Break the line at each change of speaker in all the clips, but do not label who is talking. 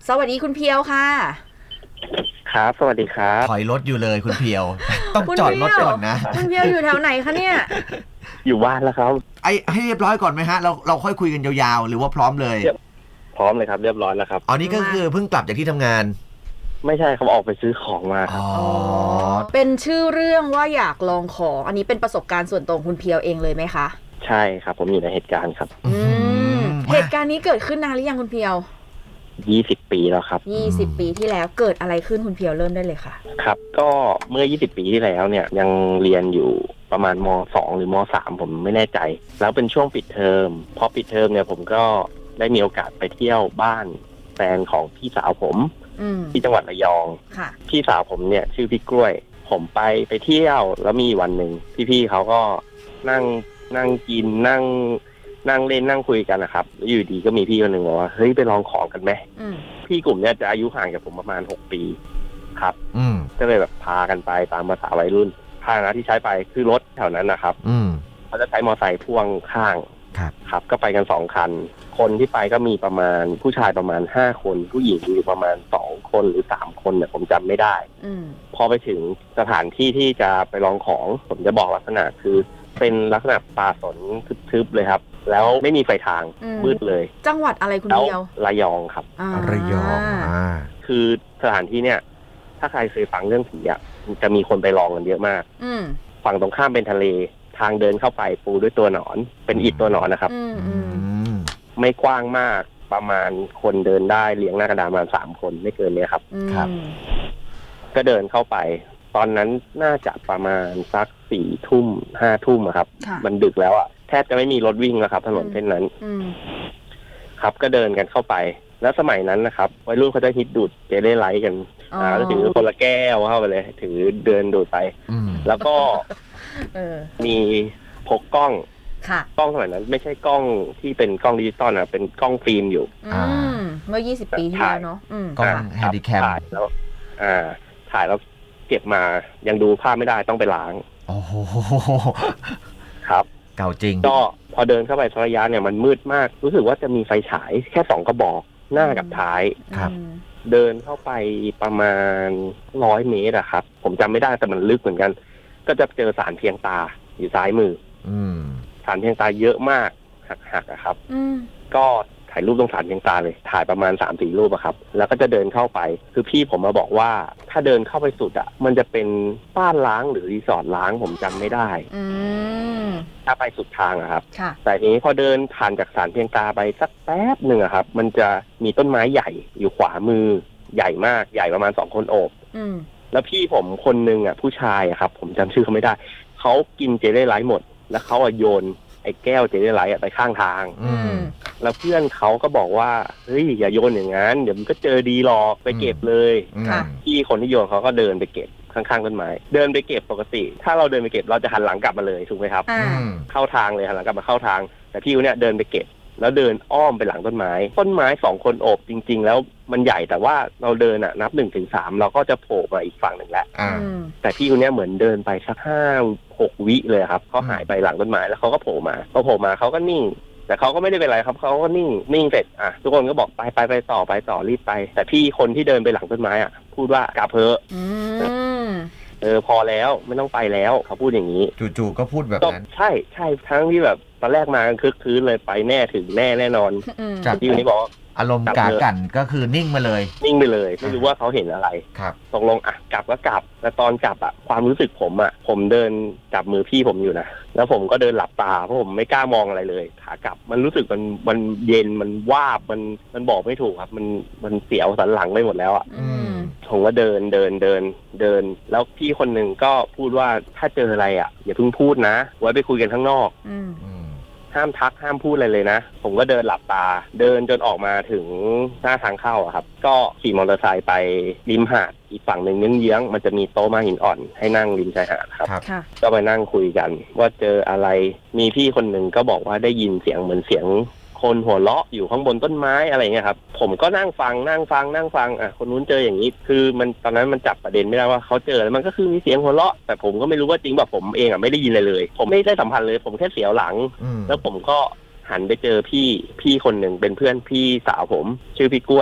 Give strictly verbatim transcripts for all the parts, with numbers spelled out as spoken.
สวัสดีคุณเพียวค่ะ
ครับสวัสดีครับ
ถอยรถอยู่เลยคุณเพียวต้องจอดรถก่อนนะ
คุณเพียวอยู่แถวไหนคะเนี่ย
อยู่บ้านแล้วครับ
ไอ้ให้เรียบร้อยก่อนไหมฮะเราเราค่อยคุยกันยาวๆหรือว่าพร้อมเลย
พร้อมเลยครับเรียบร้อยแล้วครับ
อ๋อนี่ก็คือเพิ่งกลับจากที่ทำงาน
ไม่ใช่เขาออกไปซื้อของมา
อ๋อ
เป็นชื่อเรื่องว่าอยากลองของอันนี้เป็นประสบการณ์ส่วนตัวคุณเพียวเองเลยไหมคะ
ใช่ครับผมอยู่ในเหตุการณ์ครับ
อืมเหตุการณ์นี้เกิดขึ้นนานหรือยังคุณเพียว
ยี่สิบปีแล้วครับ
ยี่สิบปีที่แล้วเกิดอะไรขึ้นคุณเพียวเริ่มได้เลยค่ะ
ครับก็เมื่อยี่สิบปีที่แล้วเนี่ยยังเรียนอยู่ประมาณม.สอง หรือม.สาม ผมไม่แน่ใจแล้วเป็นช่วงปิดเทอมพอปิดเทอมเนี่ยผมก็ได้มีโอกาสไปเที่ยวบ้านแฟนของพี่สาวผมที่จังหวัดระยองพี่สาวผมเนี่ยชื่อพี่กล้วยผมไปไปเที่ยวแล้วมีวันหนึ่งพี่ๆเขาก็นั่งนั่งกินนั่งนั่งเล่นนั่งคุยกันนะครับแล้วอยู่ดีก็มีพี่คนหนึ่งบอกว่าเฮ้ยไปลองของกันไหมพี่กลุ่มเนี้ยจะอายุห่างจากผมประมาณหกปีครับก็เลยแบบพากันไปตามภาษาวัยรุ่นพานะที่ใช้ไปคือรถแถวนั้นนะครับเขาจะใช้มอเตอร์ไซค์พ่วงข้างครับก็ไปกันสองคันคนที่ไปก็มีประมาณผู้ชายประมาณห้าคนผู้หญิงอยู่ประมาณสองคนหรือสามคนเนี่ยผมจำไม่ได้พอไปถึงสถานที่ที่จะไปลองของผมจะบอกลักษณะคือเป็นลักษณะป่าสนทึบๆเลยครับแล้วไม่มีไฟทางมืดเลย
จังหวัดอะไรคุณเดียว
ระยองครับ
ระยอง
คือสถานที่เนี่ยถ้าใครเคยฟังเรื่องผีอ่ะจะมีคนไปลองกันเยอะมากฝั่งตรงข้ามเป็นทะเลทางเดินเข้าไปปูด้วยตัวหนอนเป็นอิฐตัวหนอนนะครับไม่กว้างมากประมาณคนเดินได้เลี้ยงหน้ากระดานประมาณสามคนไม่เกินนี้ครับ
ครับ
ก็เดินเข้าไปตอนนั้นน่าจะประมาณสักสี่ทุ่มห้าทุ่มครับมันดึกแล้วอ่ะแทบจะไม่มีรถวิ่งแล้วครับถนนเส้นนั้นครับก็เดินกันเข้าไปแล้วสมัยนั้นนะครับวัยรุ่นเขาจะฮิตดูดเจลไลท์กันอ่าก็ถือคนละแก้วเข้าไปเลยถือเดินดูดไปแล้วก็มีพกกล้องกล้องสมัยนั้นไม่ใช่กล้องที่เป็นกล้องดิจิตอลนะเป็นกล้องฟิล์มอยู่
เมื่อยี่สิบปีที่แล้วเนาะ
กล้องแฮนดิแคม
ถ่ายแล้วอ่าถ่ายแล้วเก็บมายังดูภาพไม่ได้ต้องไปล้าง
โอ้โห
ครับ
เก่าจริง
ก็พอเดินเข้าไประยะเนี่ยมันมืดมากรู้สึกว่าจะมีไฟฉายแค่สองกระบอกหน้ากับท้าย
ครับ
เดินเข้าไปประมาณร้อยเมตรอะครับผมจำไม่ได้แต่มันลึกเหมือนกันก็จะเจอสารเพียงตาอยู่ซ้ายมือสารเพียงตาเยอะมากหักๆอะครับก็ถ่ายรูปตรงสารเพียงตาเลยถ่ายประมาณ สามถึงสี่ รูปอะครับแล้วก็จะเดินเข้าไปคือพี่ผมมาบอกว่าถ้าเดินเข้าไปสุดอะมันจะเป็นบ้านล้างหรือรีสอร์ทล้างผมจำไม่ได้ถ้าไปสุดทางอะครับแต่นี้พอเดินผ่านจากสารเพียงตาไปสักแป๊บหนึ่งอะครับมันจะมีต้นไม้ใหญ่อยู่ขวามือใหญ่มากใหญ่ประมาณสองคนโอบแล้วพี่ผมคนนึงอะผู้ชายอะครับผมจำชื่อเขาไม่ได้เขากินเจลไลท์หมดแล้วเขาโยนไอ้แก้วเจลไลท์ไปข้างทางแล้วเพื่อนเขาก็บอกว่าเฮ้ยอย่าโยนอย่างนั้นเดี๋ยวมันก็เจอดีหรอกไปเก็บเลยพี่คนที่โยนเขาก็เดินไปเก็บข้างๆต้นไม้เดินไปเก็บปกติถ้าเราเดินไปเก็บเราจะหันหลังกลับมาเลยถูกไหมครับเข้าทางเลยหันหลังกลับมาเข้าทางแต่พี่คนเนี้ยเดินไปเก็บแล้วเดินอ้อมไปหลังต้นไม้ต้นไม้สองคนโอบจริงๆแล้วมันใหญ่แต่ว่าเราเดินอ่ะนับหนึ่งถึงสามเราก็จะโผล่มาอีกฝั่งหนึ่งแล้วแต่พี่คนเนี้ยเหมือนเดินไปสักห้าหกวิเลยครับเขาหายไปหลังต้นไม้แล้วเขาก็โผล่มาพอโผล่มาเขาก็นิ่งแต่เขาก็ไม่ได้เป็นไรครับเขาก็นิ่งนิ่งเสร็จอ่ะทุกคนก็บอกไปไปไปต่อไปต่อรีบไปแต่พี่คนที่เดินไปหลังต้นไม้อ่ะพูดว่ากลับเถอะเออพอแล้วไม่ต้องไปแล้วเขาพูดอย่างนี้
จู่ๆก็พูดแบบนั้น
ใช่ใช่ทั้งที่แบบตอนแรกมากันคึกคืนเลยไปแน่ถึงแน่แน่นอน
จาก
ที่วันนี้บอก
อารมณ์กากันก็คือนิ่งมาเลย
นิ่งไปเลยไม่รู้ว่าเขาเห็นอะไร
ครับ
ตกลงอ่ะกลับก็กลับแต่ตอนกลับอ่ะความรู้สึกผมอ่ะผมเดินจับมือพี่ผมอยู่นะแล้วผมก็เดินหลับตาเพราะผมไม่กล้ามองอะไรเลยขากลับมันรู้สึกมันมันเย็นมันวาบมันมันบอกไม่ถูกครับมันมันเสียวสันหลังไปหมดแล้วอ่ะผมก็เดินเดินเดินเดินแล้วพี่คนหนึ่งก็พูดว่าถ้าเจออะไรอ่ะอย่าเพิ่งพูดนะไว้ไปคุยกันข้างนอกห้ามทักห้ามพูดอะไรเลยนะผมก็เดินหลับตาเดินจนออกมาถึงหน้าทางเข้าอะครับก็ขี่มอเตอร์ไซค์ไปริมหาดอีกฝั่งหนึ่งเยื้องๆมันจะมีโต๊ะม้าหินอ่อนให้นั่งริมชายหาดครับก็ไปนั่งคุยกันว่าเจออะไรมีพี่คนหนึ่งก็บอกว่าได้ยินเสียงเหมือนเสียงคนหัวเราะอยู่ข้างบนต้นไม้อะไรเงี้ยครับผมก็นั่งฟังนั่งฟังนั่งฟังอ่ะคนนู้นเจออย่างนี้คือมันตอนนั้นมันจับประเด็นไม่ได้ว่าเขาเจอแล้วมันก็คือมีเสียงหัวเราะแต่ผมก็ไม่รู้ว่าจริงแบบผมเองอ่ะไม่ได้ยินอะไรเลยผมไม่ได้สัมผัสเลยผมแค่เสียวหลังแล้วผมก็หันไปเจอพี่พี่คนหนึ่งเป็นเพื่อนพี่สาวผมชื่อพี่กล้วย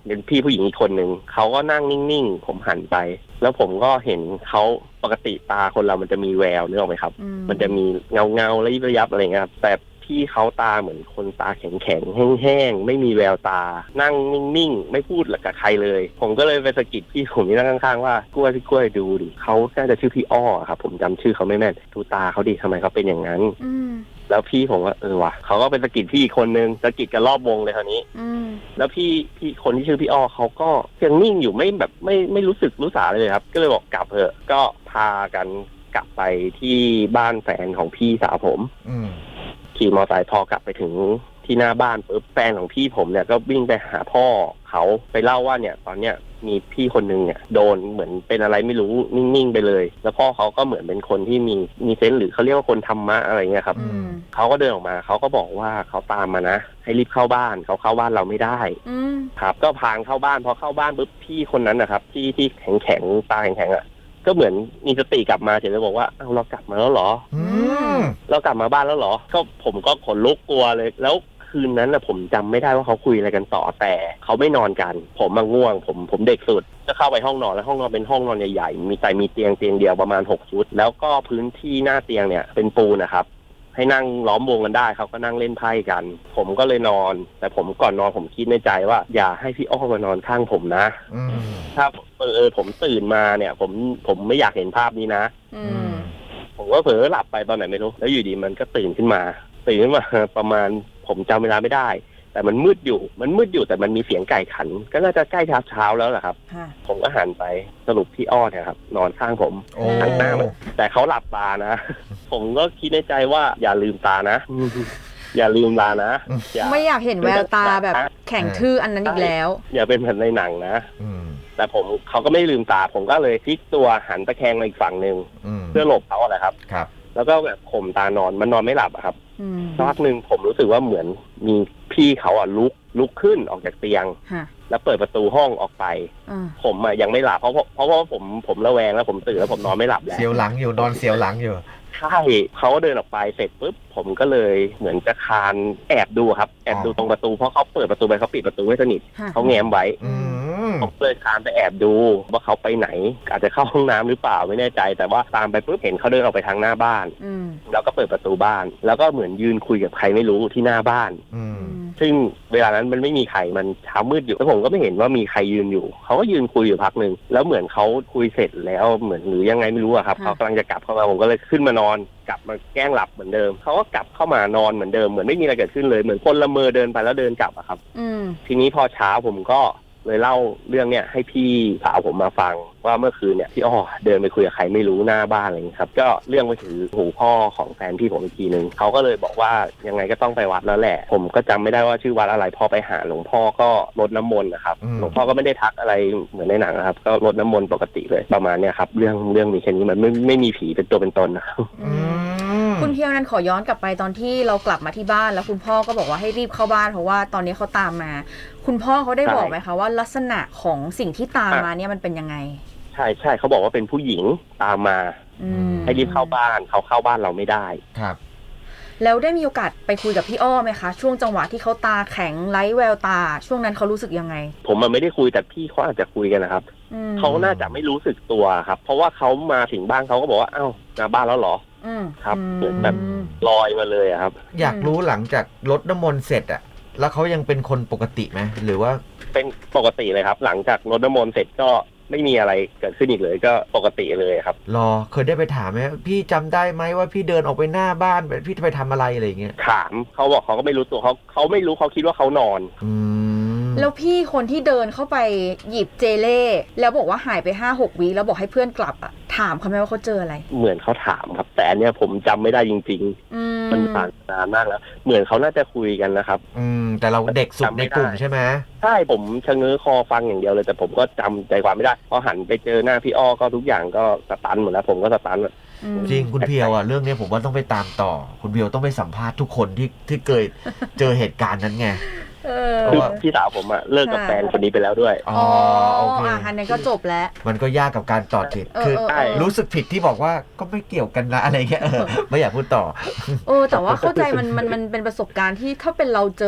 เป็นพี่ผู้หญิงอีกคนหนึ่งเขาก็นั่งนิ่งๆผมหันไปแล้วผมก็เห็นเขาปกติตาคนเรามันจะมีแววนึกออกไหมครับมันจะมีเงาเงาระยิบระยับอะไรเงี้ยครับแต่พี่เขาตาเหมือนคนตาแข็งๆแห้งๆไม่มีแววตานั่งนิ่งๆไม่พูดกับใครเลยผมก็เลยไปสะกิดพี่ผมที่นั่งข้างๆว่ากล้วยพี่กล้วยดูดิเขาน่าจะชื่อพี่อ้อครับผมจำชื่อเขาไม่แม่นดูตาเขาดิทำไมเขาเป็นอย่างนั้นแล้วพี่ผมว่าเออว่ะเขาก็เป็นสะกิดพี่อีกคนนึงสะกิดกันรอบวงเลยคราวนี้แล้วพี่พี่คนที่ชื่อพี่อ้อเขาก็ยังนิ่งอยู่ไม่แบบไม่ไม่รู้สึกรู้สาเลยครับก็เลยบอกกลับเถอะก็พากันกลับไปที่บ้านแฟนของพี่สาวผมขี่มอเตอร์ไซค์พอกลับไปถึงที่หน้าบ้านปุ๊บแฟนของพี่ผมเนี่ยก็วิ่งไปหาพ่อเขาไปเล่าว่าเนี่ยตอนเนี้ยมีพี่คนนึงเนี่ยโดนเหมือนเป็นอะไรไม่รู้นิ่งๆไปเลยแล้วพ่อเขาก็เหมือนเป็นคนที่มีมีเซนส์หรือเขาเรียกว่าคนธรรมะอะไรเงี้ยครับเขาก็เดินออกมาเขาก็บอกว่าเขาตามมานะให้รีบเข้าบ้านเขาเข้าบ้านเราไม่ได้ครับก็พางเข้าบ้านพอเข้าบ้านปุ๊บพี่คนนั้นนะครับที่ที่แข็งแข็งตาแข็งแข็งอ่ะก็เหมือนมีสติกลับมาเฉยเลยบอกว่าเอ้าเรากลับมาแล้วเหรอเรากลับมาบ้านแล้วเหรอก็ผมก็ขนลุกกลัวเลยแล้วคืนนั้นนะผมจำไม่ได้ว่าเขาคุยอะไรกันต่อแต่เขาไม่นอนกันผมมาง่วงผมผมเด็กสุดจะเข้าไปห้องนอนแล้วห้องนอนเป็นห้องนอนใหญ่ๆมีแต่มีเตียงเตียงเดียวประมาณหกชุดแล้วก็พื้นที่หน้าเตียงเนี่ยเป็นปูนนะครับให้นั่งล้อมวงกันได้เขาก็นั่งเล่นไพ่กันผมก็เลยนอนแต่ผมก่อนนอนผมคิดในใจว่าอย่าให้พี่อ้อมานอนข้างผมนะถ้าเออเออผมตื่นมาเนี่ยผมผมไม่อยากเห็นภาพนี้นะผมก็เผลอหลับไปตอนไหนไม่รู้แล้วอยู่ดีมันก็ตื่นขึ้นมาตื่นขึ้นมาประมาณผมจำเวลาไม่ได้แต่มันมืดอยู่มันมืดอยู่แต่มันมีเสียงไก่ขันก็น่าจะใกล้เช้าเช้าแล้วแหละครับผมก็หันไปสรุปพี่อ้อเนี่ยครับนอนข้างผมข้างหน้าแต่เขาหลับตานะผมก็คิดในใจว่าอย่าลืมตานะอย่าลืมตานะ
ไม่อยากเห็นแววตาแบบแข็งทื่ออันนั้นอีกแล้ว
อย่าเป็นเหมือนในหนังนะแต่ผมเขาก็ไม่ลืมตาผมก็เลยพลิกตัวหันตะแคงมาอีกฝั่งนึงเพื่อหลบเขาอะไรครับแล้วก็แบบข่มตานอนมันนอนไม่หลับอะครับสักพักหนึ่งผมรู้สึกว่าเหมือนมีพี่เขาอ่ะลุกลุกขึ้นออกจากเตียงแล้วเปิดประตูห้องออกไปผมอ่ะยังไม่หลับเพราะเพราะว่าผมผมระแวงแล้วผมตื่นแล้วผมนอนไม่หลับแล้ว
เสียวหลังอยู่นอนเสียวหลังอยู่
ใช่เขาเดินออกไปเสร็จปุ๊บผมก็เลยเหมือนจะคานแอบดูครับแอบดูตรงประตูเพราะเขาเปิดประตูไปเขาปิดประตูไม่สนิทเขาแง้มไว้ผมเลยคานไปแอบดูว่าเขาไปไหนอาจจะเข้าห้องน้ำหรือเปล่าไม่แน่ใจแต่ว่าตามไปปุ๊บเห็นเขาเดินออกไปทางหน้าบ้านแล้วก็เปิดประตูบ้านแล้วก็เหมือนยืนคุยกับใครไม่รู้ที่หน้าบ้านซึ่งเวลานั้นมันไม่มีใครมันเช้ามืดอยู่แล้วผมก็ไม่เห็นว่ามีใครยืนอยู่เขาก็ยืนคุยอยู่พักนึงแล้วเหมือนเขาคุยเสร็จแล้วเหมือนหรือยังไงไม่รู้อะครับเขากำลังจะกลับเข้ามาผมก็เลยขึ้นมานอนกลับมาแกล้งหลับเหมือนเดิมเขาก็กลับเข้ามานอนเหมือนเดิมเหมือนไม่มีอะไรเกิดขึ้นเลยเหมือนคนละเมอเดินไปแล้วเดินกลับอะครับทีนี้พอเช้าผมก็เลยเล่าเรื่องเนี้ยให้พี่สาวผมมาฟังว่าเมื่อคืนเนี่ยพี่อ้อเดินไปคุยกับใครไม่รู้หน้าบ้านอะไรอย่างนี้ครับก็เรื่องไปถึงหูพ่อของแฟนพี่ผมอีกทีนึงเขาก็เลยบอกว่ายังไงก็ต้องไปวัดแล้วแหละผมก็จำไม่ได้ว่าชื่อวัดอะไรพอไปหาหลวงพ่อก็รดน้ำมนต์นะครับหลวงพ่อก็ไม่ได้ทักอะไรเหมือนในหนังนะครับก็รดน้ำมนต์ปกติเลยประมาณเนี้ยครับเรื่องเรื่องมีแค่นี้มันไม่ไม่มีผีเป็นตัวเป็นตนนะครับ
คุณเพียวนั้นขอย้อนกลับไปตอนที่เรากลับมาที่บ้านแล้วคุณพ่อก็บอกว่าให้รีบเข้าบ้านเพราะว่าตอนนี้เขาตามมาคุณพ่อเขาได้บอกไหมคะว่าลักษณะของสิ่งที่ตามมาเนี่ยมันเป็นยังไง
ใช่ใช่เขาบอกว่าเป็นผู้หญิงตามมาให้รีบเข้าบ้านเขาเข้าบ้านเราไม่ได้
ครับ
แล้วได้มีโอกาสไปคุยกับพี่อ้อไหมคะช่วงจังหวะที่เขาตาแข็งไร้แววตาช่วงนั้นเขารู้สึกยังไง
ผมมันไม่ได้คุยแต่พี่เขาอาจจะคุยกันนะครับเขาน่าจะไม่รู้สึกตัวครับเพราะว่าเขามาถึงบ้านเขาก็บอกว่าอ้าวมาบ้านแล้วเหรอครับเหมือนแบบลอยมาเลยครับ
อยากรู้หลังจากรดน้ำมนต์เสร็จอะแล้วเขายังเป็นคนปกติไหมหรือว่า
เป็นปกติเลยครับหลังจากรดน้ำมนต์เสร็จก็ไม่มีอะไรเกิดขึ้นอีกเลยก็ปกติเลยครับ
รอเคยได้ไปถามไหมพี่จำได้ไหมว่าพี่เดินออกไปหน้าบ้านพี่จะไปทำอะไรอะไรอย่างเงี้ย
ถามเขาบอกเขาก็ไม่รู้ตัวเขาเขาไม่รู้เขาคิดว่าเขานอน
อืม
แล้วพี่คนที่เดินเข้าไปหยิบเจเล่แล้วบอกว่าหายไป ห้าหก วิแล้วบอกให้เพื่อนกลับอ่ะถามเขาไหมว่าเขาเจออะไร
เหมือนเขาถามครับแต่อันเนี้ยผมจำไม่ได้จริงๆมันผ่านนานมากแล้วเหมือนเขาน่าจะคุยกันนะครับ
อืมแต่เราเด็กสุดในกลุ่มใช่ไหม
ใช่ผมชะเง้อคอฟังอย่างเดียวเลยแต่ผมก็จำใจความไม่ได้พอหันไปเจอหน้าพี่อ้อก็ทุกอย่างก็สตันหมดแล้วผมก็สตัน
จริงคุณเพียวอ่ะเรื่องนี้ผมว่าต้องไปตามต่อคุณเพียวต้องไปสัมภาษณ์ทุกคนที่ที่เคยเจอเหตุการณ์นั้นไง
คือพี่สาวผมอะเลิกกับแฟนคนนี้ไปแล้วด้วย
อ๋อโอเคอันนี้ก็จบแล้ว
มันก็ยากกับการต่อติดคือรู้สึกผิดที่บอกว่าก็ไม่เกี่ยวกันนะอะไรเงี้ยไม่อยากพูดต่อ
เออแต่ว่าเข้าใจมันมันมันเป็นประสบการณ์ที่ถ้าเป็นเราเจอกับ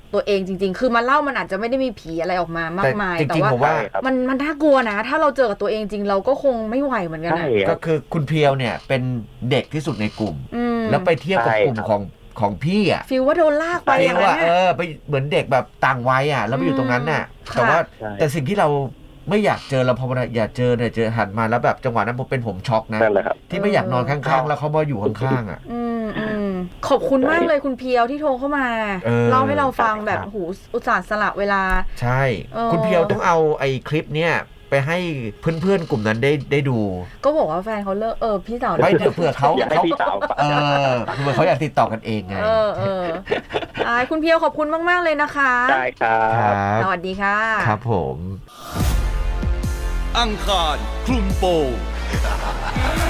ตัวเองจริงๆคือมาเล่ามันอาจจะไม่ได้มีผีอะไรออกมามากมาย
แต่จริงๆผมว่า
มันมันน่ากลัวนะถ้าเราเจอกับตัวเองจริงเราก็คงไม่ไหวเหมือนกัน
ใช่
นะ
ค
ก็
รับ
คือคุณเพียวเนี่ยเป็นเด็กที่สุดในกลุ่ม
อืม
แล้วไปเที่ยวกับ
ใช่
กลุ่มของของพี่อ่ะ
ฟีลว่าโดนลากไป
ฟี
อย่า
ล
งนั้
ว่าน เอ
น่ะ
อไปเหมือนเด็กแบบต่างวัยอ่ะแล้วไปอยู่ตรงนั้นน่ะ
อืม
แต่ว่า
ใช่
แต่สิ่งที่เราไม่อยากเจอเราพออยากเจอเนี่ยเจอหันมาแล้วแบบจังหวะนั้นผมเป็นผมช็อกนะ
นั่นแหละครับ
ที่ไม่อยากนอนข้างๆ แล้วเขามาอยู่ข้างๆอ่ะ
อืมอืมขอบคุณมากเลยคุณเพียวที่โทรเข้ามา
เออ
เล่าให้เราฟังแบบ
ครับ
หูอุตส่าห์สละเวลา
ใช่
เออ
คุณเพียวต้องเอาไอ้คลิปเนี่ยไปให้เพื่อนๆกลุ่มนั้นได้ได้ดู
ก็บอกว่าแฟนเขาเลิกเออพี่สาว
ไม่เดี๋ยวเผื่อเขา
อยากให้
เขา
พี่สาวฟัง
เออเผื่อเขาอยากติดต่อกันเองไง
เออเอออ่าคุณเพียวขอบคุณมากๆเลยนะคะ
ได้ครั
ครับ บ
สวัสดีค่ะ
ครับผม
อังคารคลุมโปง